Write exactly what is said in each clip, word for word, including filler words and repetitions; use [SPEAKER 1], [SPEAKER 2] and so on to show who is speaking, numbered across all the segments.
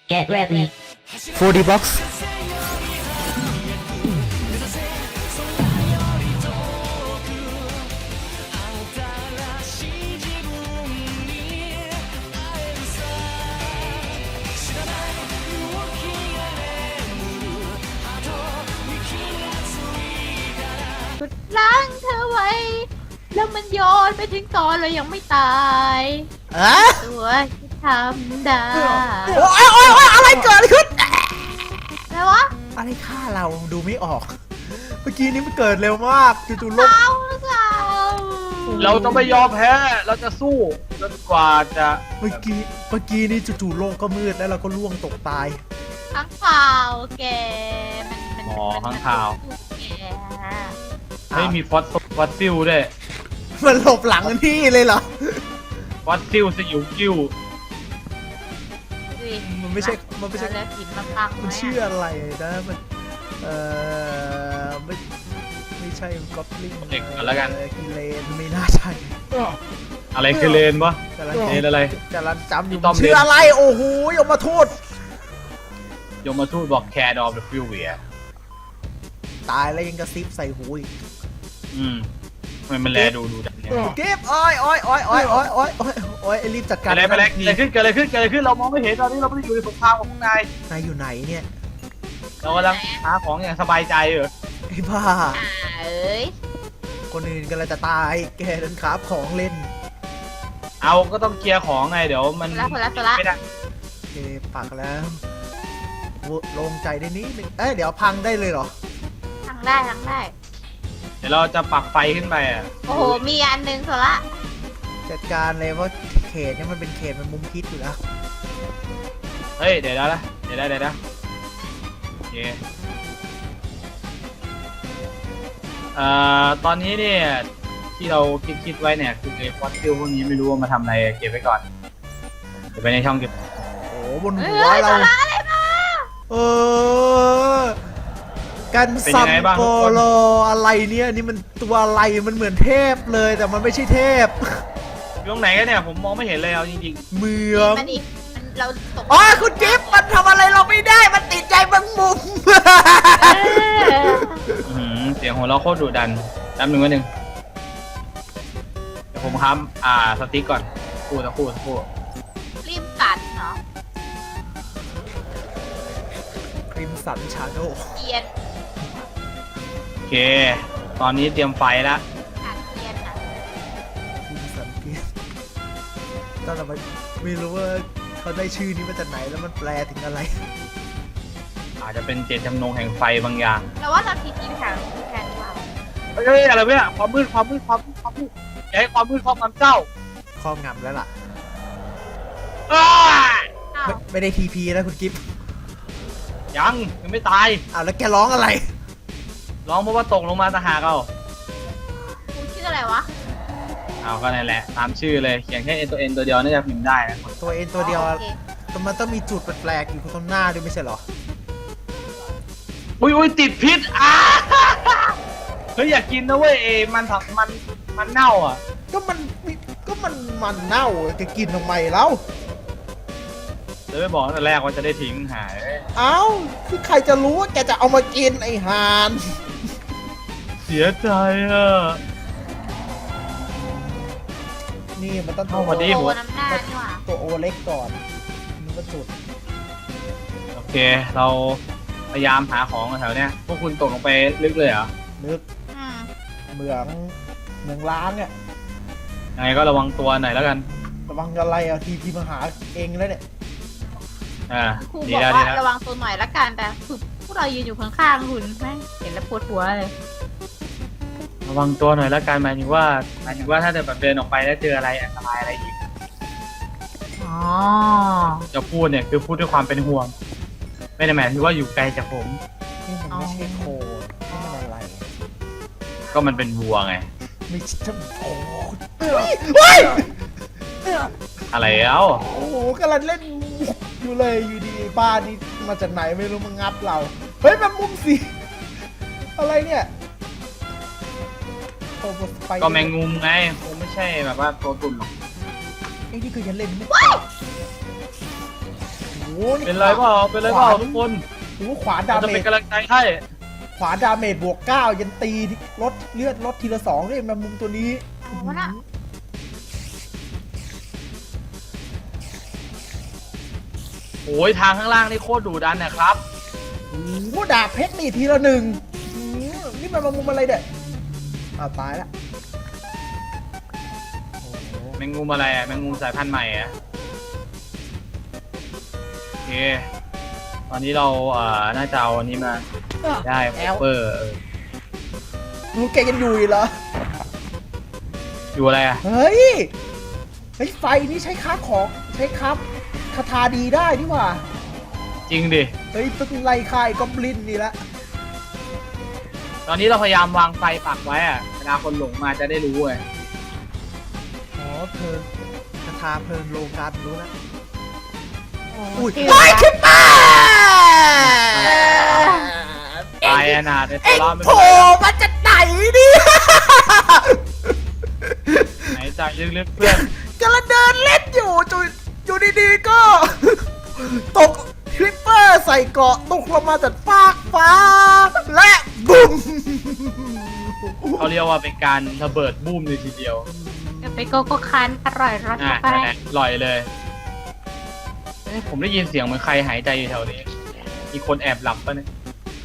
[SPEAKER 1] Get ready.
[SPEAKER 2] โฟร์ ดี Box
[SPEAKER 3] สุดล้างเธอไว้ แล้วมันโยนไปถึงตอนเรายังไม่ตาย
[SPEAKER 2] อะ
[SPEAKER 3] ตัวที่ทำได้
[SPEAKER 2] โอ้ยโอ้ยโอ้ยอะไรเกิดอะไรขึ้น
[SPEAKER 3] อะไรวะ
[SPEAKER 2] อะไรฆ่าเราดูไม่ออก เมื่อกี้นี้มันเกิดเร็วมากจู่ๆโลก
[SPEAKER 3] เอาหรือเปล่า
[SPEAKER 4] เราจะไม่ยอมแพ้ เราจะสู้จนกว่าจะ
[SPEAKER 2] เมื่อกี้เมื่อกี้นี้จู่ๆโลกก็มืดแล้วเราก็ล่วงตกตาย
[SPEAKER 3] ข้างข่าวแกมันมัน
[SPEAKER 4] อ๋อ
[SPEAKER 3] มัน
[SPEAKER 4] ข้างข่าว
[SPEAKER 3] แก
[SPEAKER 4] ไม่มีฟอสฟอสซิลด้วย
[SPEAKER 2] มันหลบหลังนี่เลยเหรอ
[SPEAKER 4] ฟอสซิลสยิวกิ้ว
[SPEAKER 3] ดูดิ
[SPEAKER 2] มันไม่ใช่มันไม่ใช่
[SPEAKER 3] แล้วหินมาพัง
[SPEAKER 2] มันชื่ออะไรนะมันเอ่อไม่ไม่ใช่ก็อปลิงกิเลนไม่น่าใช่
[SPEAKER 4] อะไรคือเลนวะ
[SPEAKER 2] กำลัง
[SPEAKER 4] เลนอะไร
[SPEAKER 2] กำลังจำอยู่
[SPEAKER 4] ต้อม
[SPEAKER 2] ชื่ออะไรโอ้โหยมมาทูต
[SPEAKER 4] ยมมาทูตบอกแคร์ดอฟเดอะฟิวเวีย
[SPEAKER 2] ตายแล้วยังกระซิบใส่หูอีก
[SPEAKER 4] อืมทำไมมันแลดูดูดังเนี่ย
[SPEAKER 2] เก็บอ้อยอ้อยอ้อยอ้อยอ้อยอ้อยอ้อยอ้อยรีบจัดการ
[SPEAKER 4] อะไรไปแล้วเกิดอะไรขึ้นเกิดอะไรขึ้นเกิดอะไรขึ้นเรามองไม่เห็นตอนนี้เราไม่ได้อยู่ในสงครามของพวกนาย
[SPEAKER 2] นายอยู่ไหนเนี่ย
[SPEAKER 4] เรากำลังหาของอย่างสบายใจเหรอ
[SPEAKER 2] ไอ้บ้า
[SPEAKER 3] อ่าเอ้ย
[SPEAKER 2] คนอื่นกำลังจะตายแกเดินขาบของเล่น
[SPEAKER 4] เอาก็ต้องเคลียร์ของไงเดี๋ยวมัน
[SPEAKER 3] แล้วคนละตัวละ
[SPEAKER 4] ไม่ได้
[SPEAKER 2] โอเคปักแล้วโลงใจได้นิดนึงเอ้ยเดี๋ยวพังได้เลยเหรอ
[SPEAKER 3] ทางได้ทางได้
[SPEAKER 4] เดี๋ยวเราจะปักไฟขึ้นไปอ่ะ
[SPEAKER 3] โอ้โหมีอันหนึงโซละ
[SPEAKER 2] จัดการเลยเพราะเขตเนี่ยมันเป็นเขตมันมุมคิดอยู่แล้ว
[SPEAKER 4] เฮ้ยเดี๋ยวนะเดี๋ยวนะเดี๋ยวนะโอเคเอ่อตอนนี้เนี่ยที่เราคิดคิดไว้เนี่ยคือไอ้ฟอสซิลพวกนี้ไม่รู้ว่ามาทำอะไรเก็บไว้ก่อนเดี๋ยวไปในช่องเก็บ
[SPEAKER 2] โอ้บน
[SPEAKER 3] เอ้
[SPEAKER 2] หัวย
[SPEAKER 3] โซ
[SPEAKER 2] เรา
[SPEAKER 3] ละอะไรมา
[SPEAKER 2] เออกันซัมโกโลอะไรเนี่ยนี่มันตัวอะไรมันเหมือนเทพเลยแต่มันไม่ใช่เทพ
[SPEAKER 4] อยู่ตรงไหนกันเนี่ยผมมองไม่เห็นเลยเอาจริง
[SPEAKER 2] เมือง
[SPEAKER 3] มันอีกมันเราตก
[SPEAKER 2] อ๋อคุณจิ๊บมันทำอะไรเราไม่ได้มันติดใจบางมุม
[SPEAKER 3] เออ
[SPEAKER 4] ๆอื้อหือเสียงของเราโคตรดุดันแป๊บหนึ่งวันหนึ่งเดี๋ยวผมค้ำอ่าสติ๊กก่อนคู่ตะคู่ตะคู่
[SPEAKER 3] ริมกัดเนาะ
[SPEAKER 2] คริมสันชาโด
[SPEAKER 3] เกียน
[SPEAKER 4] โอเค ตอนนี้เตรียมไฟแล้ว
[SPEAKER 3] กัดเกียนอ่ะ
[SPEAKER 2] คริมสันเกียร์ตอนเราไม่รู้ว่าเขาได้ชื่อนี้มาจากไหนแล้วมันแปลถึงอะไร
[SPEAKER 4] อาจจะเป็นเจตจำนงแห่งไฟบางอย่าง
[SPEAKER 3] เราว่าเราทีทีทางแทนดีกว่า
[SPEAKER 4] เฮ้ยอะไรเนี่ยความมืดความมืดความมืดความมืดอย่าให้ความมืดครอบงำเจ้า
[SPEAKER 2] ครอบงำแล้วล่ะ
[SPEAKER 4] อ้า
[SPEAKER 3] อ้าว
[SPEAKER 2] ไม่ไม่ได้ทีพีนะคุณกิฟต์
[SPEAKER 4] ยังยังไม่ตาย
[SPEAKER 2] อ้าวแล้วแกร้องอะไร
[SPEAKER 4] ร้องเพราะว่าตกลงมาตะหากเอา
[SPEAKER 3] กูชื่ออะไรวะ
[SPEAKER 4] เอาก็นั่นแหละตามชื่อเลยเขียนแค่เอ็นตัวเอ็นตัวเดียวน่าจะพิมพ์ได้นะ
[SPEAKER 2] ตัวเองตัวเดียว
[SPEAKER 3] อ๋อโอเค
[SPEAKER 2] แต่มันต้องมีจุดแปลกๆอยู่ตรงหน้าด้วยไม่ใช่เหรอ
[SPEAKER 4] อุ้ยอุ้ยติดพิษอ้าเฮ้ยอยากกินนะเว้ยเอมันผักมันมันเน่าอ่ะ
[SPEAKER 2] ก็มันก็มันมันเน่าจะกินทำไมแล้ว
[SPEAKER 4] เดี๋ยวไม่บอกตั้งแต่แรกว่าจะได้ทิ้งหาย
[SPEAKER 2] เอ้าคือใครจะรู้ว่าแกจะเอามากินไอ้ห่าน
[SPEAKER 4] เสียใจอ่ะ
[SPEAKER 2] นี่มันต้อง
[SPEAKER 4] เอามาดิ
[SPEAKER 3] โอ้น้ำหน้านี่หว่า
[SPEAKER 2] ตัวโอเล็กก่อนนี่ก็จุด
[SPEAKER 4] โอเค เราพยายามหาของแถวเนี้ยพวกคุณตกลงไปลึกเลยเหรอ
[SPEAKER 2] นึก
[SPEAKER 3] อืม
[SPEAKER 2] เหมืองเหมืองล้างเนี่ย
[SPEAKER 4] ยังไงก็ระวังตัวหน่อยแล้วกัน
[SPEAKER 2] ระวังอะไรอ่ะทีพีมาหาเองแล้วเนี่ย
[SPEAKER 4] อ่า
[SPEAKER 3] ครู
[SPEAKER 4] ดี
[SPEAKER 3] บอก
[SPEAKER 4] แล้วดี
[SPEAKER 3] ว่า
[SPEAKER 4] แล้ว
[SPEAKER 3] ระวังตัวหน่อยละกันแต่คือพวกเรายืนอยู่ข้างๆคุณแม่งเห็นแล้วปวดหัวเลย
[SPEAKER 4] ระวังตัวหน่อยแล้วกันหมายถึงว่าหมายถึงว่าถ้าเดินแบบเดินออกไปแล้วเจออะไรอันตรายอะไรอีก
[SPEAKER 3] อ๋อ
[SPEAKER 4] จะพูดเนี่ยคือพูดด้วยความเป็นห่วง ไม่ได้หมายถึงว่าอยู่ไกลจากผม
[SPEAKER 2] นี่มันไม่ใช่โคนี่มันอะไร
[SPEAKER 4] ก็มันเป็นวัวไง
[SPEAKER 2] ไม่ใช่โอ้เฮ้ย
[SPEAKER 4] อะไรเอ้า
[SPEAKER 2] โอ้โหกำลังเล่นมุกอยู่เลยอยู่ดีบ้านนี้มาจากไหนไม่รู้มางับเราเฮ้ยแมงมุมสิอะไรเนี่ยโอ้โหไป
[SPEAKER 4] ก็แมงมุมไงคงไม่ใช่แบบว่าตัวตุ่นหรอก
[SPEAKER 2] ไอ้นี่ก็ยังเล่นไม่จบโอ้นี่
[SPEAKER 4] เป็นไรเปล่าเป็นไรเปล่าทุกคน
[SPEAKER 2] โอ้โหขวาดา
[SPEAKER 4] เราจะ
[SPEAKER 2] เม
[SPEAKER 4] เป็น
[SPEAKER 2] จ
[SPEAKER 4] กำลังใจให้
[SPEAKER 2] ขวาดาเมจบวกเก้ายันตีลดเลือดลดทีละสองด้วยแมงมุมตัวนี้
[SPEAKER 3] เอาวะน่ะ
[SPEAKER 4] โอ้ยทางข้างล่างนี่โคตรดุดันนะครับ
[SPEAKER 2] โอ้โหดาบเพชรนี่ทีละหนึ่งอืมนี่มันแมงมุมอะไรเด็ดอ้าวตายละโอ้โห
[SPEAKER 4] แมงมุมอะไรอ่ะแมงมุมสายพันธุ์ใหม่อ่ะโอเคตอนนี้เราเอ่อน่าจะเอาอันนี้มาได้
[SPEAKER 2] แอล
[SPEAKER 4] เปอร์
[SPEAKER 2] ลูกแกยังอยู่อีกเหรอ
[SPEAKER 4] อยู่อะไรอ่ะ
[SPEAKER 2] เฮ้ย เฮ้ยไฟนี่ใช้ค้าของใช้ค้าคาถาดีได้นี่หว่า
[SPEAKER 4] จริงดิ
[SPEAKER 2] เฮ้ยต้องไล่ค่ายกอบลินนี่ละ
[SPEAKER 4] ตอนนี้เราพยายามวางไฟปักไว้อ่ะเวลาคนหลงมาจะได้รู้ไง
[SPEAKER 2] อ๋อเพลิงคาถาเพลิงโลกันรู้แล้ว
[SPEAKER 3] โอ้
[SPEAKER 2] อุ้ย
[SPEAKER 3] ชื่อ
[SPEAKER 2] ไฟขึ้นมา
[SPEAKER 4] ตายอนาถในตั
[SPEAKER 2] เอ็
[SPEAKER 4] ว
[SPEAKER 2] ง
[SPEAKER 4] เราไม่
[SPEAKER 2] โผ
[SPEAKER 4] เป็น
[SPEAKER 2] ล่
[SPEAKER 4] ไร
[SPEAKER 2] มาจากไหนเนี่ย
[SPEAKER 4] หายใจลึกๆเพื่อน
[SPEAKER 2] กำลังเดินเล่นอยู่จุอยู่ดีๆก็ ตกคลิปเปอร์ใส่เกราะตกลงมาจากฟากฟ้า และบุ้ม
[SPEAKER 4] เขาเรียกว่าเป็นการระเบิดบูมเลยทีเดียว
[SPEAKER 3] จะไปโกโก้คันอร่อยรส
[SPEAKER 4] อ่ะ
[SPEAKER 3] เข้าไป
[SPEAKER 4] นั่นแหละลอยเลยเอ๊ะผมได้ยินเสียงเหมือนใครหายใจอยู่แถวนี้ มีคนแอบหลับปะเนี่ย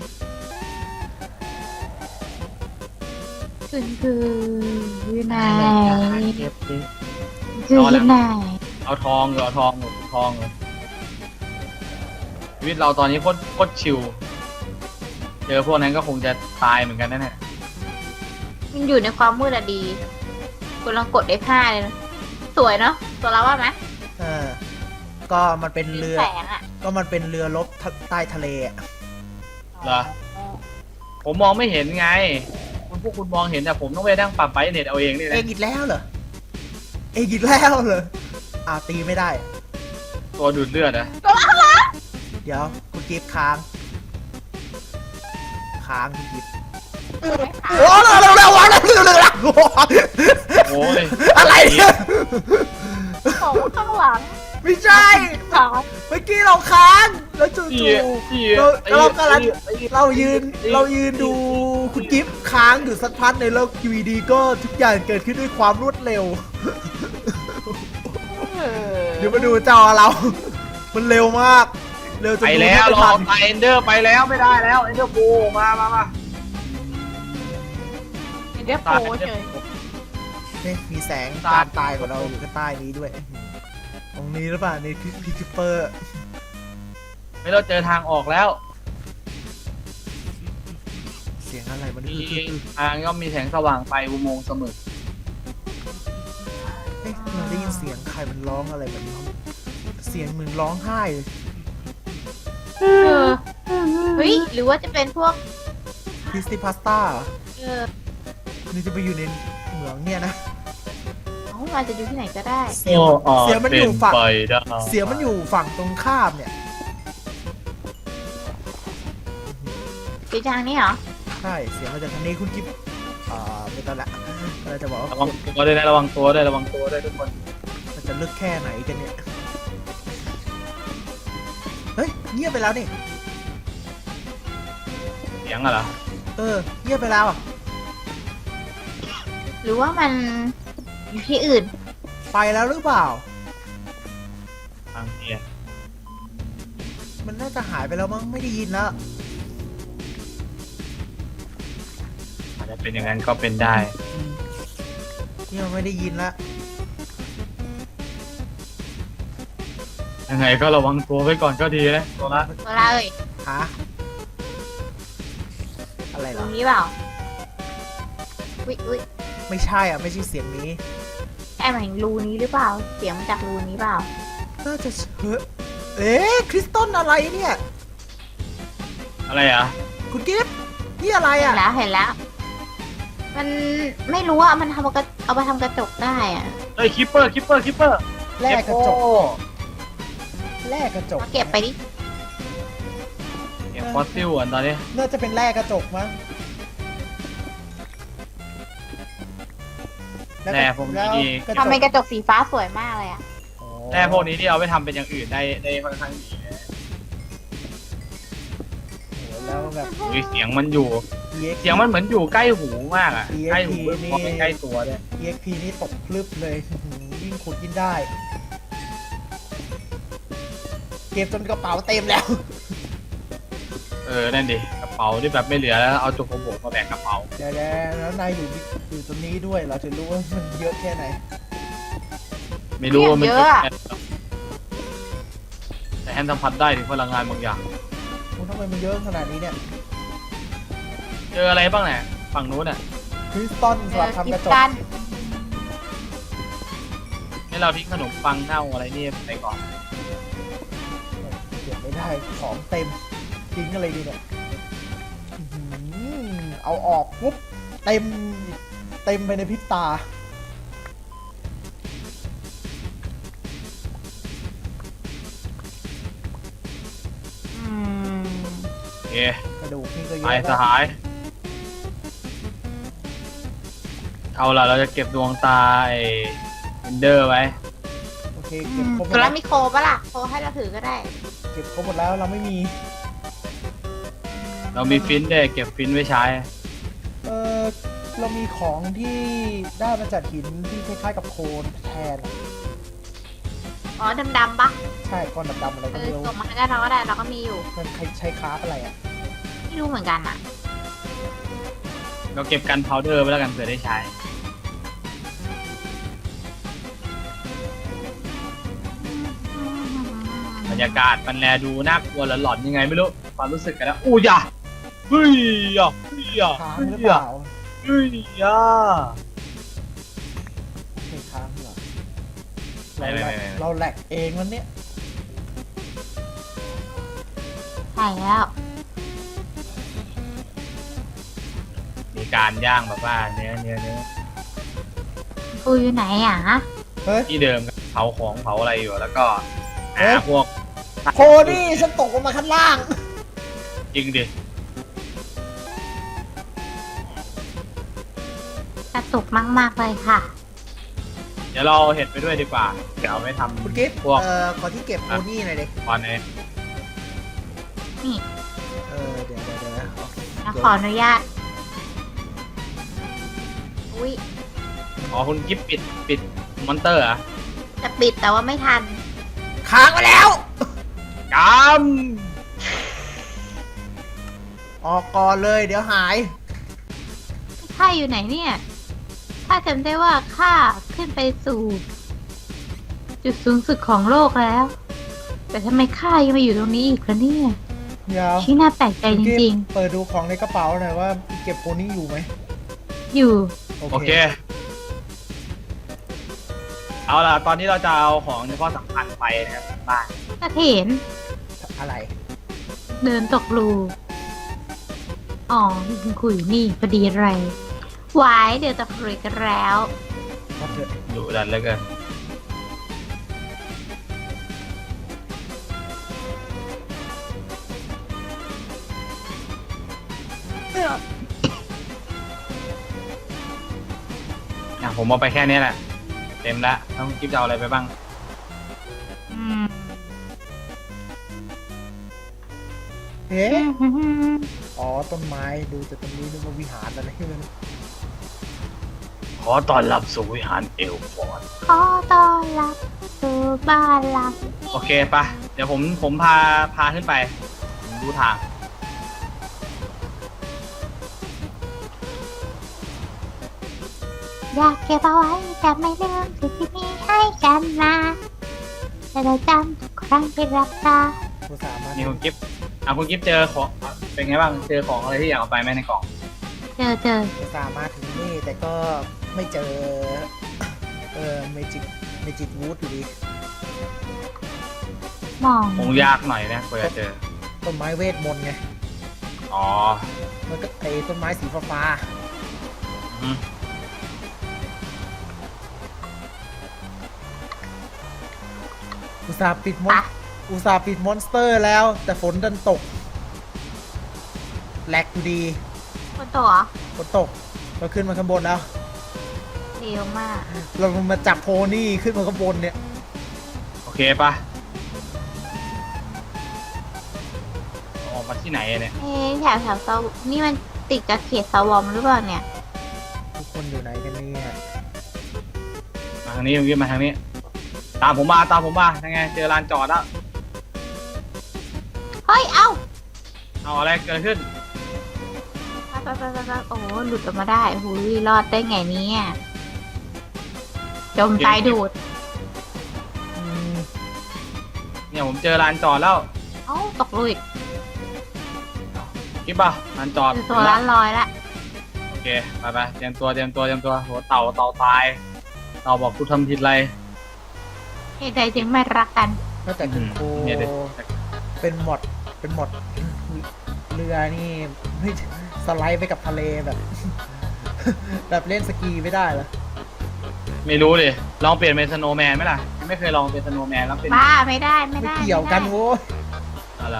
[SPEAKER 3] คือคืออยู่ไหน
[SPEAKER 2] เก็บดิ
[SPEAKER 3] คืออยู่ไหน
[SPEAKER 4] เอาทองเหรอเอาทองเหรอทองเหรอชีวิตเราตอนนี้โคตรโคตรชิลเจอพวกนั้นก็คงจะตายเหมือนกันนั่นแหละ
[SPEAKER 3] มันอยู่ในความมืดอะดีคุณลองกด เอฟ ห้า เลยนะสวยเนาะตัวเราว่าไหม
[SPEAKER 2] เออ ก็มันเป็นเรือ
[SPEAKER 3] แสงอะ
[SPEAKER 2] ก็มันเป็นเรือรบใต้ทะเลอะ
[SPEAKER 4] เหรอ ผมมองไม่เห็นไง คุณพวกคุณมองเห็นแต่ผมต้องไปนั่งปรับไบรท์เน็ตเอาเองนี่
[SPEAKER 2] เอ
[SPEAKER 4] นะ
[SPEAKER 2] งอีกแล้วเหรอ เองอีกแล้วเหรออ่าตีไม่ได้
[SPEAKER 4] ตัวดูดเลือดอะ
[SPEAKER 2] เดี๋ยวคุณกิฟค้าง ค้างคุณกิฟโอ้เร็วเร็วเร็วเร็วเร็วเร็วเร็ว
[SPEAKER 4] โอ้ย
[SPEAKER 2] อะไรเนี่ย
[SPEAKER 3] ของข้างหลัง
[SPEAKER 2] ไม่ใช่
[SPEAKER 3] ขา
[SPEAKER 2] เมื่อกี้เราค้าง แล้วจู่
[SPEAKER 4] อี
[SPEAKER 2] ๆ
[SPEAKER 4] อี
[SPEAKER 2] เราเรากำลัง
[SPEAKER 4] ไอ้
[SPEAKER 2] เรายืนเรายืนดูคุณกิฟต์ค้างอยู่สักพักในแล้วอยู่ดีๆก็ทุกอย่างเกิดขึ้นด้วยความรวดเร็ว เดี๋ยวมาดูจอเรา มันเร็วมาก เร็วจน
[SPEAKER 4] ไป
[SPEAKER 2] ดู
[SPEAKER 4] แล้ว
[SPEAKER 2] ไม่
[SPEAKER 4] รอ
[SPEAKER 2] ทัน
[SPEAKER 4] ไปเอนเดอร์ไปแล้วไม่ได้แล้วเอนเดอร์โบมามามา
[SPEAKER 3] เดี๋ยวโปเฉย
[SPEAKER 2] นี่มีแสง
[SPEAKER 4] ตา
[SPEAKER 2] ตาม มตายของเราอยู่ข้างใต้นี้ด้วย ตรงนี้หรือเปล่าในพิพิคิปเปอร์
[SPEAKER 4] ไม่ต้องเจอทางออกแล้ว
[SPEAKER 2] เสียงอะไรมัน
[SPEAKER 4] มี
[SPEAKER 2] คือคือ
[SPEAKER 4] ทางก็มีแสงสว่างไปอุโมงค์เสมอ
[SPEAKER 2] เอ๊ะเราได้ยินเสียงใครมันร้องอะไรแบบนี้เสียงเหมือนร้องไห้เลย
[SPEAKER 3] เออเฮ้ยหรือว่าจะเป็นพวก
[SPEAKER 2] คริสติพาสต้า
[SPEAKER 3] เออ
[SPEAKER 2] นี่จะไปอยู่ในเหมืองเนี่ยนะ
[SPEAKER 3] เอ้ามันจะอยู่ที่ไหนก็ได้
[SPEAKER 2] เสียงเสียงมันอยู่ฝั่ง
[SPEAKER 4] ไปได้
[SPEAKER 2] เสียงมันอยู่ฝั่งตรงข้ามเนี่ย
[SPEAKER 3] สีจางนี่เหรอ
[SPEAKER 2] ใช่ เสียงมาจากทางนี้คุณกิ๊บอ่าไม่ต้องละเราจะบอกว่า
[SPEAKER 4] ระวังตัวด้วยนะระวังตัวด้วยระวังตัวด้วยทุกคน
[SPEAKER 2] มันจะลึกแค่ไหนกันเนี่ย เฮ้ย เงียบไปแล้วนี่
[SPEAKER 4] เสียงอะเหรอ
[SPEAKER 2] เออ เงียบไปแล้วอ่ะ
[SPEAKER 3] หรือว่ามันอยู่ที่อื่น
[SPEAKER 2] ไปแล้วหรือเปล่า
[SPEAKER 4] ทางเนีย
[SPEAKER 2] มันน่าจะหายไปแล้วมั้ง ไม่ได้ยินแล้ว
[SPEAKER 4] อาจจะเป็นอย่างนั้นก็เป็นได้
[SPEAKER 2] เนี่ยไม่ได้ยินละ
[SPEAKER 4] ยังไงก็ระวังตัวไว้ก่อนก็ดีนะตัวละ
[SPEAKER 3] ตัวเราเอ้ย
[SPEAKER 2] ฮะ อะไรเห
[SPEAKER 3] ต
[SPEAKER 2] ร
[SPEAKER 3] ร
[SPEAKER 2] อ
[SPEAKER 3] งนี้เปล่าอุ้ยอุ้ย
[SPEAKER 2] ไม่ใช่อ่ะ ไม่ใช่เสียงนี้
[SPEAKER 3] แอบเห็นรูนี้หรือเปล่า เสียงมาจากรูนี้เปล่า
[SPEAKER 2] น่าจะเฮ้ยเอ๊ะ คริสตัลอะไรเนี่ย
[SPEAKER 4] อะไรอ่ะ
[SPEAKER 2] คุณกิฟต์นี่อะไร
[SPEAKER 3] เห็
[SPEAKER 2] อ่ะ
[SPEAKER 3] นแล้วเห็นแล้ว มันไม่รู้ว่ามันทำเอากระเอาไปทำกระจกได้อะ
[SPEAKER 4] เฮ้ยคิปเปอร์คิปเปอร์คิปเปอร์
[SPEAKER 2] แลกกระจก แลกกระจก
[SPEAKER 3] มาเก็บไปดิ
[SPEAKER 4] เก็บฟอสซิลก่อนตอนนี้
[SPEAKER 2] น่าจะเป็นแลกกระจกมั้งล้วก็
[SPEAKER 4] แร่พวก
[SPEAKER 2] แล้ว
[SPEAKER 4] นี้
[SPEAKER 2] กระจ
[SPEAKER 3] ทำ
[SPEAKER 2] ก
[SPEAKER 3] เป็นกระจกสีฟ้าสวยมากเลยอะ
[SPEAKER 2] อ๋อ
[SPEAKER 4] แร่พวกนี้ที่เอาไปทำเป็นอย่างอื่นได้ได้ค่อนข้างดีนะ
[SPEAKER 2] แล้วแบบ
[SPEAKER 4] อุ้ยเสียงมันอยู่
[SPEAKER 2] อี เอ็กซ์
[SPEAKER 4] เสียงมันเหมือนอยู่ใกล้หูมากอ่ะ
[SPEAKER 2] อี เอ็กซ์
[SPEAKER 4] ใกล้หู
[SPEAKER 2] นี่
[SPEAKER 4] พอไม่ใกล้ตัวด้วย
[SPEAKER 2] อี เอ็กซ์ พี นี่ตกพลึบเลยอื้อหือยิ่งขุดยิ่งได้ เก็บจนกระเป๋าเต็มแล้ว
[SPEAKER 4] เออนั่นดิกระเป๋าที่แบบไม่เหลือแล้วเอาจุกโบกมาแบกกระเป๋า
[SPEAKER 2] เดี๋ยวๆแล้วนายอยู่ที่อยู่ตรงนี้ด้วย เราจะรู้ว่ามันเยอะแค่ไหน
[SPEAKER 4] ไม่รู้ว่ามัน
[SPEAKER 3] เยอะอะ
[SPEAKER 4] แต่แฮนสัมผัสได้ถึงพลังงานบางอย่าง
[SPEAKER 2] คุณทำไมมันเยอะขนาดนี้เนี่ย
[SPEAKER 4] เจออะไรบ้างเนี่ยฝั่งนู้นอ่ะ
[SPEAKER 2] คริสตัล
[SPEAKER 3] เจ
[SPEAKER 2] สำห
[SPEAKER 3] อ
[SPEAKER 2] รับ
[SPEAKER 3] กิ
[SPEAKER 2] ทำก
[SPEAKER 3] จ
[SPEAKER 2] ระจก
[SPEAKER 3] การ
[SPEAKER 4] ให้เราทิ้งขนมปังเน่าอะไรนี่ไปก่อน
[SPEAKER 2] เก็บไม่ได้ของเต็มทิ้งอะไรดีเนี่ยอื้อหือเอาออกปุ๊บเต็มเต็มไปในพริบตา
[SPEAKER 3] อืม
[SPEAKER 4] โอเค
[SPEAKER 2] กระดูกนี่ก็เย
[SPEAKER 4] ไป
[SPEAKER 2] อะ
[SPEAKER 4] ส
[SPEAKER 2] แล้ว
[SPEAKER 4] หาย เอาล่ะเราจะเก็บดวงตาไอ้เอนเดอร์ไว้
[SPEAKER 2] โอเคเก็บครบหม
[SPEAKER 3] ตั
[SPEAKER 2] ด
[SPEAKER 3] ว
[SPEAKER 2] แล้
[SPEAKER 3] แล้ว วมีโคปะล่ะโคให้เราถือก็ได้
[SPEAKER 2] เก็บครบหมดแล้วเราไม่มี
[SPEAKER 4] เรามีฟินด้วยเก็บฟินไว้ใช้
[SPEAKER 2] เออเรามีของที่ได้มาจากหินที่คล้ายๆกับโคลนแทน
[SPEAKER 3] อ๋อดำๆปะ
[SPEAKER 2] ใช่ก้อนดำๆอะไร
[SPEAKER 3] เอ
[SPEAKER 2] ก็
[SPEAKER 3] อ
[SPEAKER 2] ไม่รู้
[SPEAKER 3] ส่งมาให้ได้เราก็ได้เราก็มีอยู่
[SPEAKER 2] มันใช้ใช้คราฟอะไรอ่ะ
[SPEAKER 3] ไม่รู้เหมือนกันอ่ะ
[SPEAKER 4] เราเก็บกันพาวเดอร์ไว้แล้วกันเผื่อได้ใช้ บรรยากาศมันแลดูน่ากลัวหลอนๆยังไงไม่รู้ความรู้สึกกันนะอู้ยะเฮ้ยอ่ะเฮ้ยอ่ะ
[SPEAKER 2] ค้าง
[SPEAKER 4] เฮ้
[SPEAKER 2] หรื
[SPEAKER 4] ย
[SPEAKER 2] อเป
[SPEAKER 4] อ่ะ
[SPEAKER 2] ล่า
[SPEAKER 4] เฮ้ยอ่ะ
[SPEAKER 2] ไม่ค้างเหรอ
[SPEAKER 4] ไม่
[SPEAKER 2] เรา
[SPEAKER 4] ไม่
[SPEAKER 2] แหล
[SPEAKER 4] ไม่
[SPEAKER 2] ก
[SPEAKER 4] ไม่
[SPEAKER 2] เราแหลกเองวันเนี้ย
[SPEAKER 3] ใช่แล้ว
[SPEAKER 4] มีการย่างแบบว่าเนื้อเนื้อเนื้อ
[SPEAKER 3] ปูอยู่ไหนอ่ะ
[SPEAKER 2] เฮ้ย
[SPEAKER 4] ที่เดิมเผาของเผาอะไรอยู่แล้วก็
[SPEAKER 2] เอ๊ะ
[SPEAKER 4] หาพวก
[SPEAKER 2] โคนี่ฉันตกลงมาข้างล่าง
[SPEAKER 4] จริงดิ
[SPEAKER 3] กระตุกมากๆเลยค่ะ
[SPEAKER 4] เดี๋ยวเราเห็ดไปด้วยดีกว่าเดี๋ยวเอาไปท
[SPEAKER 2] คุณกิฟต์
[SPEAKER 4] ำพวก
[SPEAKER 2] เอ่อขอที่เก็บโคนี่หน่อยดิ
[SPEAKER 4] ตอนนี้
[SPEAKER 3] นี่
[SPEAKER 2] เออเดี๋ยวเดี๋ยวเดี๋ยวนะเอา
[SPEAKER 3] เราขออนุญาต อุ้ย
[SPEAKER 4] อ๋อคุณกิฟปิดปิดมอนเตอร์เหรอ่ะ
[SPEAKER 3] จะปิดแต่ว่าไม่ทัน
[SPEAKER 2] ค้างไปแล้ว
[SPEAKER 4] ก
[SPEAKER 2] ออกก่อนเลยเดี๋ยวหาย
[SPEAKER 3] ข้าอยู่ไหนเนี่ยข้าจำได้ว่าข้าขึ้นไปสู่ จุดสูงสุดของโลกแล้ว แต่ทำไมข้ายังมาอยู่ตรงนี้อีกล่ะเนี่ย
[SPEAKER 2] เดี๋ยว
[SPEAKER 3] ที่น่าแปลกใจจ
[SPEAKER 2] คุณกิฟ
[SPEAKER 3] ริง
[SPEAKER 2] ต์เปิดดูของในกระเป๋าหน่อยว่าเก็บโคนี่อยู่ไหม
[SPEAKER 3] ๆ อยู่
[SPEAKER 2] โอ
[SPEAKER 4] โอ
[SPEAKER 2] เค
[SPEAKER 4] เค เอาล่ะตอนนี้เราจะเอาของเฉพาะสำคัญไปนะครับบ้าน
[SPEAKER 3] ถ้าเห็น
[SPEAKER 2] อะไร
[SPEAKER 3] เดินตกรูอ๋อคุณคุยอยู่นี่พอดีอะไรหวายเดี๋ยวตกรูกันแล้ว
[SPEAKER 2] ก็เถอะ
[SPEAKER 4] ดุดันเหลือเกินอ่ะผมเอาไปแค่นี้แหละ เต็มแล้วต้องกิฟจะเอาอะไรไปบ้าง
[SPEAKER 3] อืม
[SPEAKER 2] เอ๊ะอ๋อต้นไม้ดูจากตรงนี้นึกว่าวิหารอะไรที่มัน
[SPEAKER 4] ขอต้อนรับสู่วิหารเอลฟอร์ด
[SPEAKER 3] ขอต้อนรับสู่บ้านหลัง
[SPEAKER 4] โอเคปะเดี๋ยวผมผมพาพาขึ้นไป ผมดูทาง
[SPEAKER 3] อยากเก็บเอาไว้แต่ไม่ลืมสิ่งที่มีให้กันนะจะได้จำทุกครั้งที่รับตา
[SPEAKER 2] กูสามารถ
[SPEAKER 4] นี่คุณกิฟอ่ะคุณกิฟเจอของอ่ะเป็นไงบ้างเจอของอะไรที่อยากเอาไปไหมในกล่อง
[SPEAKER 3] เจอเจอ
[SPEAKER 2] กูสามารถถึงนี่แต่ก็ไม่เจอ เออเมจิกเมจิกวูดอยู่ดี
[SPEAKER 3] มอง
[SPEAKER 4] คงยากหน่อยนะกว่าจะเจอ
[SPEAKER 2] ต้นไม้เวทมนต์ไง
[SPEAKER 4] อ๋อ
[SPEAKER 2] มันก็ไอ้ต้นไม้สีฟ้า
[SPEAKER 4] อืม
[SPEAKER 2] ๆอุตส่าห์ปิดมอนอุตส่าห์ปิดมอนสเตอร์แล้ว แต่ฝนดันตกแหลกอยู่ดี
[SPEAKER 3] คนตัว
[SPEAKER 2] ฝนตกเราขึ้นมาข้างบนแล้ว
[SPEAKER 3] เร็วมาก
[SPEAKER 2] เรามาจับโพนี่ขึ้นมาข้างบนเนี่ย
[SPEAKER 4] โอเคปะโอออกมาที่ไหนเนี่ย
[SPEAKER 3] เอ๊ะแถวแถวสวนี่มันติดกับเขตสวอมหรือเปล่าเนี่ย
[SPEAKER 2] ทุกคนอยู่ไหนกันเนี่ย
[SPEAKER 4] มาทางนี้คุณกิฟมาทางนี้ ตามผมมาตามผมมายังไงเจอลานจอดแล้ว
[SPEAKER 3] เฮ้ย เอ้า
[SPEAKER 4] เอาอะไรเกิดขึ้น
[SPEAKER 3] ไปไปไปไปไปโอ้โหหลุดออกมาได้หูยรอดได้ไงเนี่ยจมใจดูด
[SPEAKER 2] อืม
[SPEAKER 4] เนี่ยผมเจอลานจอดแล้ว
[SPEAKER 3] เอ้าตกลุย
[SPEAKER 4] กิฟป่ะลานจอด
[SPEAKER 3] คือตัวร้านลอยละ
[SPEAKER 4] โอเคไปไปเตรียมตัวเตรียมตัวเตรียมตัวโหเต่าเต่าตายเต่าบอกกูทำผิดอะไร
[SPEAKER 3] เหตุใดจึงไม่รักกัน
[SPEAKER 2] ก็แต่คุณครู
[SPEAKER 4] เนี่ยเด็ก
[SPEAKER 2] เป็นหมดเป็นหมดเรือนี่ไม่สไลด์ไปกับทะเลแบบ แบบเล่นสกีไม่ได้เหรอ
[SPEAKER 4] ไม่รู้ดิลองเปลี่ยนเป็นสโนว์แมนไหมล่ะไม่เคยลองเป็นสโนว์แมนแล้วเป็น
[SPEAKER 3] บ้าไม่ได้ไม่
[SPEAKER 2] ไม่
[SPEAKER 3] ได้
[SPEAKER 2] เกี่ยวกัน
[SPEAKER 3] ไม่ได้
[SPEAKER 2] โว้ย
[SPEAKER 4] อะไร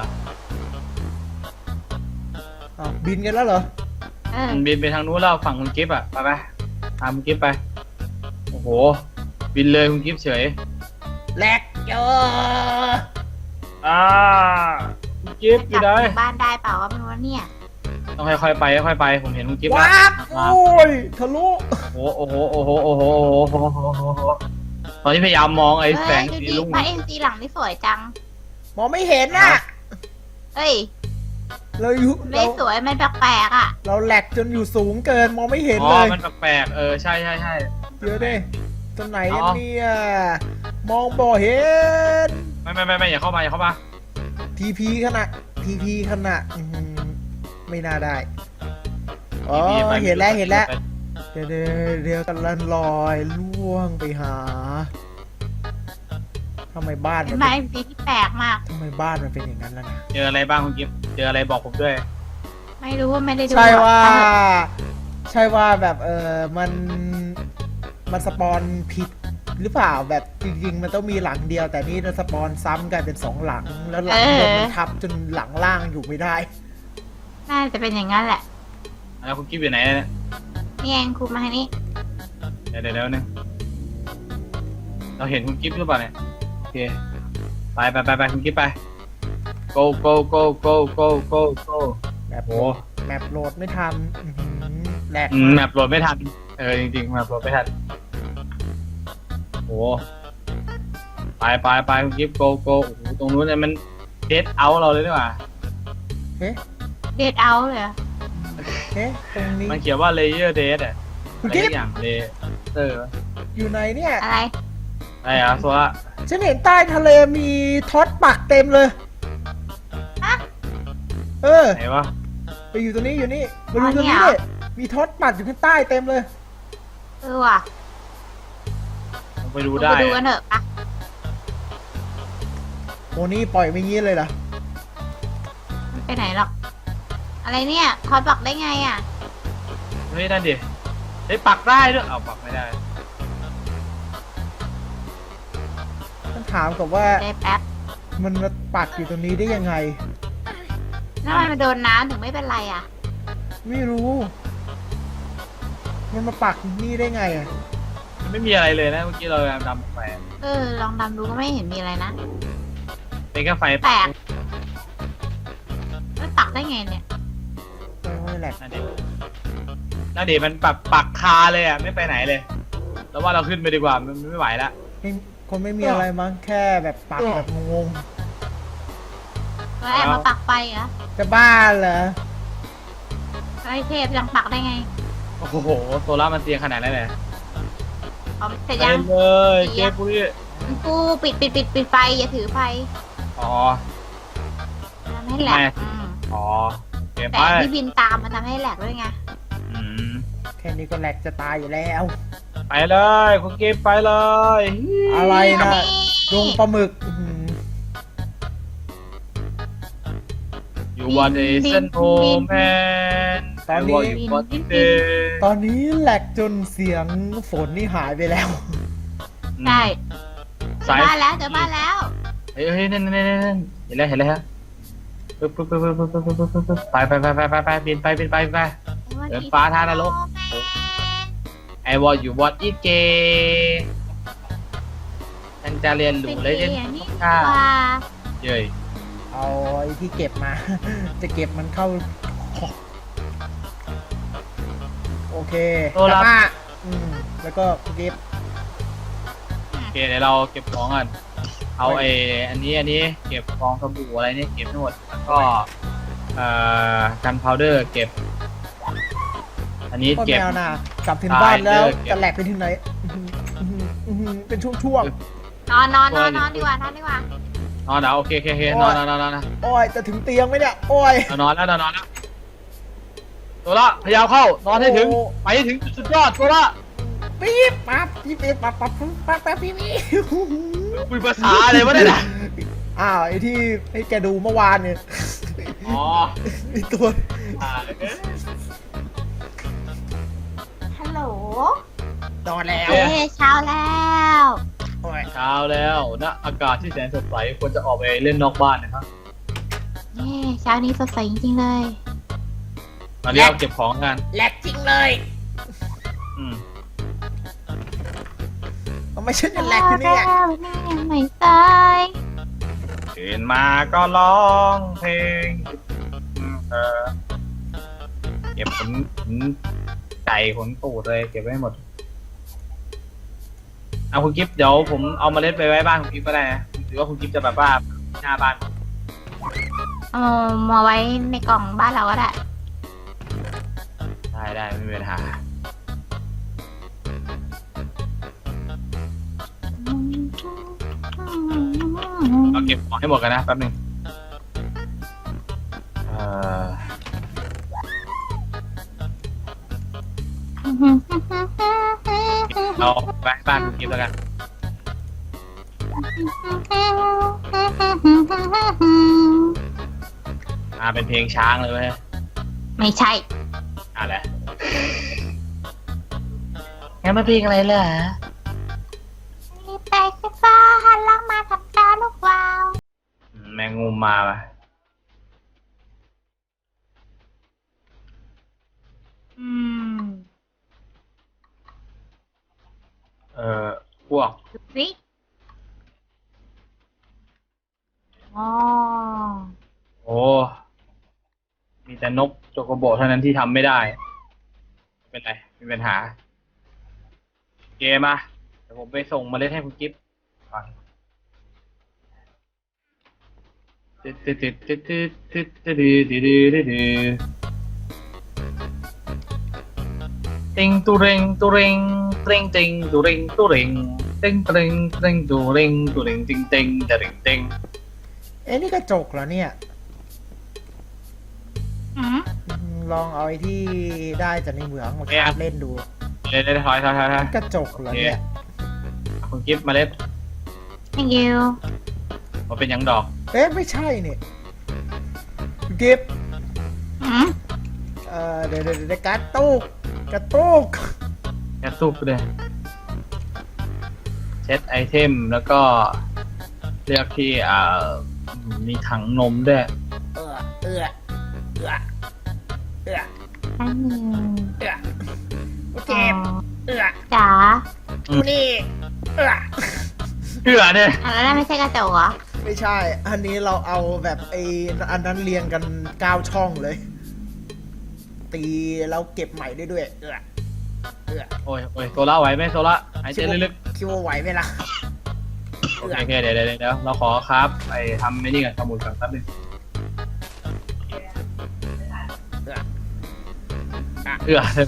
[SPEAKER 2] อ้าวบินกันแล้วเหรอ
[SPEAKER 3] เออ
[SPEAKER 4] บินไปทางนู้นแล้วฝั่งคุณกิฟต์อ่ะไปไปตามคุณกิฟต์ไปโอ้โหบินเลยคุณกิฟต์เฉย
[SPEAKER 2] แลกเจอ
[SPEAKER 4] อ่าคุณกิฟต์อยู่ไหน
[SPEAKER 3] กลับถึงบ้านได้เปล่าก็ไม่รู้ว่าเนี่ย
[SPEAKER 4] ต้องค่อยๆไปค่อยๆไปผมเห็นคุณกิฟต์แล้ว
[SPEAKER 2] ว้าบโอ้ยทะลุ
[SPEAKER 4] โอ้โหโอ้โหโอ้โหโอ้โหโอ้โหโอ้โหโอ้โหตอนนี้พยายามมองไอ้
[SPEAKER 3] เฮ้
[SPEAKER 4] แส
[SPEAKER 3] ย
[SPEAKER 4] ง
[SPEAKER 3] ดู
[SPEAKER 4] สี
[SPEAKER 3] ดิ
[SPEAKER 4] ลุง
[SPEAKER 3] พระเอ็นซีหลังนี่สวยจัง
[SPEAKER 2] มองไม่เห็นน่ะ
[SPEAKER 3] เอ้ย
[SPEAKER 2] เราอยู่
[SPEAKER 3] ไม่
[SPEAKER 2] เรา
[SPEAKER 3] สวยมันแปลกๆอ่ะ
[SPEAKER 2] เราแหลกจนอยู่สูงเกินมองไม่เห็น
[SPEAKER 4] อ๋
[SPEAKER 2] เล
[SPEAKER 4] อย มันแปลกๆเออใช่ใช่ใช่
[SPEAKER 2] เดี๋ยวดิตัวไหนกัน
[SPEAKER 4] อ๋อ
[SPEAKER 2] เนี่ยมองบ่เห็น
[SPEAKER 4] ไม่ไม่ไม่ไม่อย่าเข้ามาอย่าเข้ามา
[SPEAKER 2] ทีพีขนาดทีพีขนาดอื้อหือไม่น่าได้อ๋อ
[SPEAKER 4] พี่ไป
[SPEAKER 2] เห็นแล้วเห็นแล้วเดี๋ยวเดี๋ยวเดี๋ยวกำลังลอยล่วงไปหาทำไมบ้าน
[SPEAKER 3] เป็
[SPEAKER 2] มัน น
[SPEAKER 3] พระ
[SPEAKER 2] เป็น
[SPEAKER 3] เอ็นซีที่แปลกมาก
[SPEAKER 2] ทำไมบ้านมันเป็นอย่างนั้นล่ะนะ
[SPEAKER 4] เจออะไรบ้างคุณกิฟต์เจออะไรบอกผมด้วย
[SPEAKER 3] ไม่รู้ว่าไม่ได้ดู
[SPEAKER 2] ใช่ว่า
[SPEAKER 3] เออ
[SPEAKER 2] ใช่ว่าแบบเออมันมันสปอนผิดหรือเปล่าแบบจริงๆ มันต้องมีหลังเดียว แต่นี่มันสปอนซ้ำกันเป็นสองหลัง แล้วหลังบนมันทับจนหลังล่างอยู่ไม่ได้
[SPEAKER 3] น่าจะเป็นอย่างนั้นแหละ
[SPEAKER 4] แล้วคุณกิฟต์อยู่ไหนเนี่ย
[SPEAKER 3] นี่เองครูมาให้นี่
[SPEAKER 4] เดี๋ยวเดี๋ยวเดี๋ยวนึงเราเห็นคุณกิฟต์หรือเปล่าเนี่ยโอเคไปไปไปไปคุณกิฟต์ไป go go go go go go go
[SPEAKER 2] แบบ
[SPEAKER 4] โอ้
[SPEAKER 2] แมปโหลดไม่ทันอื้อหือแหลก
[SPEAKER 4] อืมแมปโหลดไม่ทันเออจริงๆแมปโหลดไม่ทันโอ้ไปไปไปคุณกิฟต์ go go โอ้โหตรงนู้นเนี่ยมันเดทเอาเราเลยดีกว่า
[SPEAKER 2] เฮ้
[SPEAKER 3] เดทเอาเลยเหรอ
[SPEAKER 2] เฮ้ตรงนี้
[SPEAKER 4] มันเขียนว่า layer date อะ
[SPEAKER 2] คุ
[SPEAKER 4] อะ
[SPEAKER 2] ณ
[SPEAKER 4] ไร
[SPEAKER 2] กิ๊
[SPEAKER 4] สั
[SPEAKER 2] ฟ
[SPEAKER 4] กอย่างเลเตอร์
[SPEAKER 2] อยู่ไหนเนี่ย
[SPEAKER 3] อะไร
[SPEAKER 4] อะไรอะโซล่า
[SPEAKER 2] ฉันเห็นใต้ทะเลมีท็อตปักเต็มเลย
[SPEAKER 3] ฮะ
[SPEAKER 2] เออ
[SPEAKER 4] ไหนวะ
[SPEAKER 2] ไปอยู่ตรงนี้อยู่นี่มาดู
[SPEAKER 3] อ๋อ
[SPEAKER 2] ตรง
[SPEAKER 3] เนี่
[SPEAKER 2] นี้
[SPEAKER 3] ย
[SPEAKER 2] เลยมีท็อตปักอยู่ข้างใต้เต็มเลย
[SPEAKER 3] เออว่ะ
[SPEAKER 4] ลองไปดู
[SPEAKER 3] ลง
[SPEAKER 4] ได้
[SPEAKER 3] ไปดูกันเถอะปะ
[SPEAKER 2] โอ้นี่ปล่อยไม่งี้เลยเหรอ
[SPEAKER 3] มันไปไหนหรอก อะไรเนี่ยทอดบอกได้ไงอ่ะ
[SPEAKER 4] เฮ้ยนั่นดิเฮ้ยปักได้ด้วยเอาปักไม่ได้
[SPEAKER 2] ต้องถามกับว่า
[SPEAKER 3] ได้แป๊บ
[SPEAKER 2] มันมาปักอยู่ตรงนี้ได้ยังไง
[SPEAKER 3] แล้วมันมาโดนน้ำถึงไม่เป็นไรอ่ะ
[SPEAKER 2] ไม่รู้ มันมาปักนี่ได้ไงอ่ะ
[SPEAKER 4] ไม่มีอะไรเลยนะเมื่อกี้เราดำไฟ
[SPEAKER 3] เออ ลองดำดูก็ไม่เห็นมีอะไรนะ
[SPEAKER 4] เป็นแค่ไฟ
[SPEAKER 3] แปลกไม่ปักได้ไงเนี่ย
[SPEAKER 2] ไม่แหลก
[SPEAKER 4] นั่นดินั่นดิมันปักปักคาเลยอ่ะไม่ไปไหนเลย แล้วว่าเราขึ้นไปดีกว่ามันไม่ไหวละ
[SPEAKER 2] ไม่คงไม่มีอะไรมั้งแค่แบบปักแบบงง
[SPEAKER 3] แล้วแอบมาปักไฟเหรอ
[SPEAKER 2] ๆจะบ้าเหรอ
[SPEAKER 3] ไอ้เทพยังปักได้ไง
[SPEAKER 4] โอ้โหโซล่ามันเตียงขนาดนั้นเลย
[SPEAKER 3] เอาเสร็จ
[SPEAKER 4] ไป
[SPEAKER 3] ยัง
[SPEAKER 4] เลยเจ๊ปุ้ย
[SPEAKER 3] กูปิดปิดปิดปิดไฟอย่าถือไฟ
[SPEAKER 4] อ๋อ
[SPEAKER 3] ทำให้แหลก
[SPEAKER 4] ไม่
[SPEAKER 3] อืม
[SPEAKER 4] อ๋อเก็บ
[SPEAKER 3] แต่
[SPEAKER 4] ไป
[SPEAKER 3] ที่บินตามมันทำให้แหลกด้วยไง
[SPEAKER 4] อืม
[SPEAKER 2] แค่นี้ก็แหลกจะตายอยู่แล้ว
[SPEAKER 4] ไปเลยคุณกิฟต์ไปเลย
[SPEAKER 2] อะไร
[SPEAKER 3] อัน
[SPEAKER 2] นะ
[SPEAKER 3] นี้
[SPEAKER 2] ดงปลาหมึกอื้อหือ
[SPEAKER 4] อยู่วันเอเซนโอแมน
[SPEAKER 2] ตอนนี้
[SPEAKER 4] อยู่วันเด
[SPEAKER 2] ตอนนี้แหลกจนเสียงฝนนี่หายไปแล้ว
[SPEAKER 3] ใช่เจอ
[SPEAKER 4] สาย
[SPEAKER 3] บ้านแล้วเจอบ้านแล้ว
[SPEAKER 4] เฮ้ยเฮ้ยนั่นนั่นนั่นนั่นเห็นแล้วเห็นแล้วฮะปึ๊บปึ๊บปึ๊บปึ๊บปึ๊บปึ๊บปึ๊บปึ๊บไปไปไปไปไปไปบินไปบินไปบินไป เดินฟ้าทางนรก ไอวออยู่วอดอีเกฉันจะเรียนรู้เลย
[SPEAKER 3] เป็
[SPEAKER 4] เล่
[SPEAKER 3] น
[SPEAKER 4] น
[SPEAKER 3] นี่
[SPEAKER 4] ข้า
[SPEAKER 3] ว่า
[SPEAKER 4] เย้ย
[SPEAKER 2] เอาไอ้ที่เก็บมา จะเก็บมันเข้า โอเค
[SPEAKER 4] โซล่า
[SPEAKER 2] แล้วก็อืมแล้วก็เก็บ
[SPEAKER 4] โอเคเดี๋ยวเราเก็บของกันเอาไอ้อันนี้อันนี้เก็บฟองสบู่อะไรเนี่ยเก็บทั้งหมดแล้วก็เอ่อกันพาวเดอร์เก็บ อันนี้
[SPEAKER 2] โคตร
[SPEAKER 4] เก็บ
[SPEAKER 2] แมวนะกลับถึงบ้านแล้ว
[SPEAKER 4] ตายเลยเก็บ
[SPEAKER 2] จะแหลกไปถึงไหนอื้อหืออื้อหืออื้อหือเป็นช่วง
[SPEAKER 3] นอนนอนนอนนอนดีกว่านอนดีกว่า
[SPEAKER 4] นอนเดี๋ยวโอเคโอเคโอเคนอนนอนนอนนอนนอน
[SPEAKER 2] ๆ โอ้ยจะถึงเตียงไหมเนี่ย โอ้ย
[SPEAKER 4] นอนแล้วนอนนอนแล้วตัวละพยายามเข้านอนให้ถึง
[SPEAKER 2] โอ้
[SPEAKER 4] ไปให้ถึงจุดสุดยอดตัวละ
[SPEAKER 2] ปี๊บปั๊บปี๊บปี๊บปั๊บปั๊บปั๊บปั๊บปั๊บปี๊บปี๊บ
[SPEAKER 4] คุยภาษาอะไรวะเนี่ยนะ
[SPEAKER 2] อ้าวไอ้ที่ให้แกดูเมื่อวานเนี่ย
[SPEAKER 4] อ๋อ
[SPEAKER 2] ไอ้ตัว
[SPEAKER 4] อ่าเอ๊ะ
[SPEAKER 3] ฮัลโหล
[SPEAKER 2] นอนแล้ว
[SPEAKER 3] เอ้เช้าแล้ว
[SPEAKER 2] โอ้ย
[SPEAKER 4] เช้าแล้วนะอากาศที่แสนสดใสควรจะออกไปเล่นนอกบ้านนะครับ
[SPEAKER 3] เย้เช้านี้สดใสจริงๆเลย
[SPEAKER 4] ตอนนี้เราเก็บของกัน
[SPEAKER 2] แหลกจริงเลย
[SPEAKER 4] อืม
[SPEAKER 2] ทำไมฉันจะแหลกอยู่เนี่ย
[SPEAKER 3] แล้วแม่ยังไม่ตาย
[SPEAKER 4] ตื่นมาก็ร้องเพลงเออเก็บขนขนไก่ขนตูดเลยเก็บไว้หมดเอาคุณกิฟต์เดี๋ยวผมเอาเมล็ดไปไว้บ้านคุณกิฟต์ก็ได้นะหรือว่าคุณกิฟต์จะแบบว่าหน้าบ้าน
[SPEAKER 3] เอามาไว้ในกล่องบ้านเราก็ได้
[SPEAKER 4] ได้ได้ไม่มีปัญหาเราเก็บของให้หมดกันนะแป๊บหนึงเอ่อเราไปบ้านคุณกิฟต์แล้วกันอ่าเป็นเพลงช้างเลยไหม
[SPEAKER 3] ไม่ใช่
[SPEAKER 4] อ่าแหละงั้นมาเพลงอะไรเหรอ
[SPEAKER 3] รีบไปขึ้นฟ้าหันหลังมาทำตาลูกวาว
[SPEAKER 4] แมงมุมมาป่ะ
[SPEAKER 3] อืม
[SPEAKER 4] เอ่อพวก
[SPEAKER 3] ดูสิอ๋อ
[SPEAKER 4] โอ้มีแต่นกโจโกโบเท่านั้นที่ทำไม่ได้ไม่เป็นไรไม่มีปัญหาเกมมาเดี๋ยวผมไปส่งเมล็ดให้คุณกิฟต์ก่อนตึ๊ดตึ๊ดตึ๊ดตึ๊ดตึ๊ดตึ๊ดตึ๊ดตึ๊ดตึ๊ดตึ๊ดตึ๊ดติงตุเรงตุเรงเตรงติงตุเรงตุเรงเต็งเตรงเตรงตุเรงตุเรงติงเต็งเตรงเต็ง
[SPEAKER 2] เอ๊ะนี่กระจกเหรอเนี่ย
[SPEAKER 3] อืม
[SPEAKER 2] อืมลองเอาไอ้ที่ได้จากในเหมืองมา
[SPEAKER 4] เนี่ย
[SPEAKER 2] คาบเล่นดู
[SPEAKER 4] เล่นเล่นถอยถอยถอยถอย
[SPEAKER 2] กระจกเหรอเนี่ย
[SPEAKER 4] คุณกิฟต์เมล็ด
[SPEAKER 3] thank you
[SPEAKER 4] มาเป็นหยังดอก
[SPEAKER 2] เอ๊ะไม่ใช่เนี่ยกิฟต์
[SPEAKER 3] อืม
[SPEAKER 2] เอ่อเดี๋ยวเดี๋ยวเดี๋ยวกระตุกกระตุก
[SPEAKER 4] แค่ซุปเลยเช็ดไอเทมแล้วก็เลือกที่อ่ามีถังนมด้วย
[SPEAKER 2] เออเออเออเออ
[SPEAKER 3] อันหนึ่ง
[SPEAKER 2] เออโอเค
[SPEAKER 3] อ๋อ
[SPEAKER 2] เออ
[SPEAKER 3] จ๋า
[SPEAKER 2] ดูนี่เออ
[SPEAKER 4] เชื่อเนี่ย
[SPEAKER 3] อ่ะแล้วนั่นไม่ใช่กระจกเหรอ
[SPEAKER 2] ไม่ใช่ อันนี้เราเอาแบบไอ้อันนั้นเรียงกันเก้าช่องเลย ตีแล้วเก็บใหม่ได้ด้วย เออเออ
[SPEAKER 4] โอ้ยโอ้ยโซล่าไหวไหมโซล่าหายใจลึก
[SPEAKER 2] คิดว่าไหวไหมล่ะ
[SPEAKER 4] ๆโอเคโอเคเดี๋ยวเดี๋ยวเดี๋ยวเราขอครับไปทำไม่นี่กันสมุดกันแป๊บนึงเชื่อ
[SPEAKER 2] เออ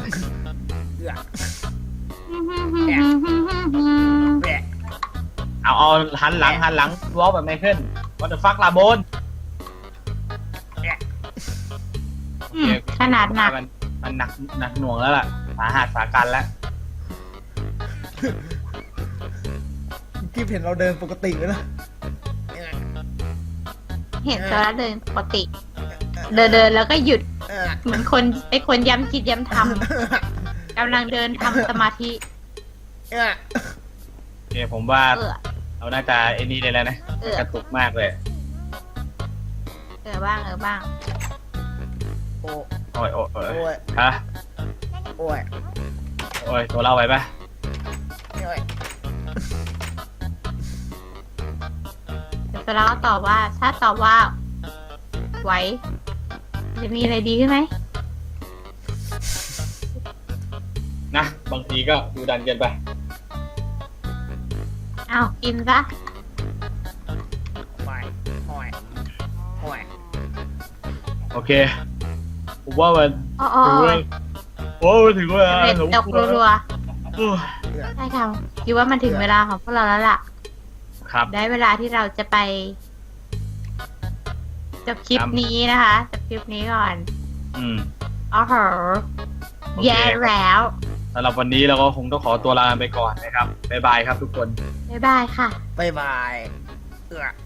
[SPEAKER 2] แหละ
[SPEAKER 4] เอาเอาหันหลังหันหลังวอลแบบไม่ขึ้นวัตถุฟักลาโบน
[SPEAKER 3] อืมขนาดหนัก
[SPEAKER 4] มันมันหนักหนักหน่วงแล้วล่ะสาหัสสากันแล้ว
[SPEAKER 2] กิ๊บเห็นเราเดินปกติไหมล่ะ
[SPEAKER 3] เห็นตัวแล้วเดินปกติ เดินเดินแล้วก็หยุด
[SPEAKER 2] เออ
[SPEAKER 3] เหมือนคนเป็นคนย้ำคิดย้ำทำกำลังเดินทำสมาธิ
[SPEAKER 2] เออ
[SPEAKER 4] โอเคผมว่า
[SPEAKER 3] เออ
[SPEAKER 4] เราน่าจะไอ้นี่ได้แล้วนะ
[SPEAKER 3] เออ
[SPEAKER 4] กระตุกมากเลย
[SPEAKER 3] เออบ้างเออบ้าง
[SPEAKER 2] โอ้
[SPEAKER 4] โอ้ยโอ้ยโอ้ย
[SPEAKER 2] โอ้ย
[SPEAKER 4] ฮะ
[SPEAKER 2] โอ้ย
[SPEAKER 4] โอ้ยตัวเราไหวปะ
[SPEAKER 2] โอ้ย
[SPEAKER 3] เดี๋ยวเราก็ตอบว่า ถ้าตอบว่าไว้ จะมีอะไรดีขึ้นไหม
[SPEAKER 4] นะบางทีก็ดูดันเกินไป
[SPEAKER 3] อ้าวกินซะ
[SPEAKER 2] ห่วยห่วยห่วย
[SPEAKER 4] โอเค ผมว่ามัน
[SPEAKER 3] อ๋ออ๋อ
[SPEAKER 4] ถึงเวลาโอ้มันถึงเวลา
[SPEAKER 3] เร็ด
[SPEAKER 4] สม
[SPEAKER 3] ดอก
[SPEAKER 4] ควร
[SPEAKER 3] รัว
[SPEAKER 4] โอ้ย
[SPEAKER 3] ๆใช่ค่ะคิดว่ามันถึงเวลาของพวกเราแล้วล่ะ
[SPEAKER 4] ครับ
[SPEAKER 3] ได้เวลาที่เราจะไปจบคลิป
[SPEAKER 4] ครับ
[SPEAKER 3] นี้นะคะจบคลิปนี้ก่อน
[SPEAKER 4] อืม
[SPEAKER 3] อ๋อเหรอ
[SPEAKER 4] โอเค
[SPEAKER 3] แย่แล้ว
[SPEAKER 4] สำหรับวันนี้เราก็คงต้องขอตัวลาไปก่อนนะครับ บ๊ายบายครับทุกคน
[SPEAKER 3] บ๊ายบายค่ะ
[SPEAKER 2] บ๊ายบายเอือ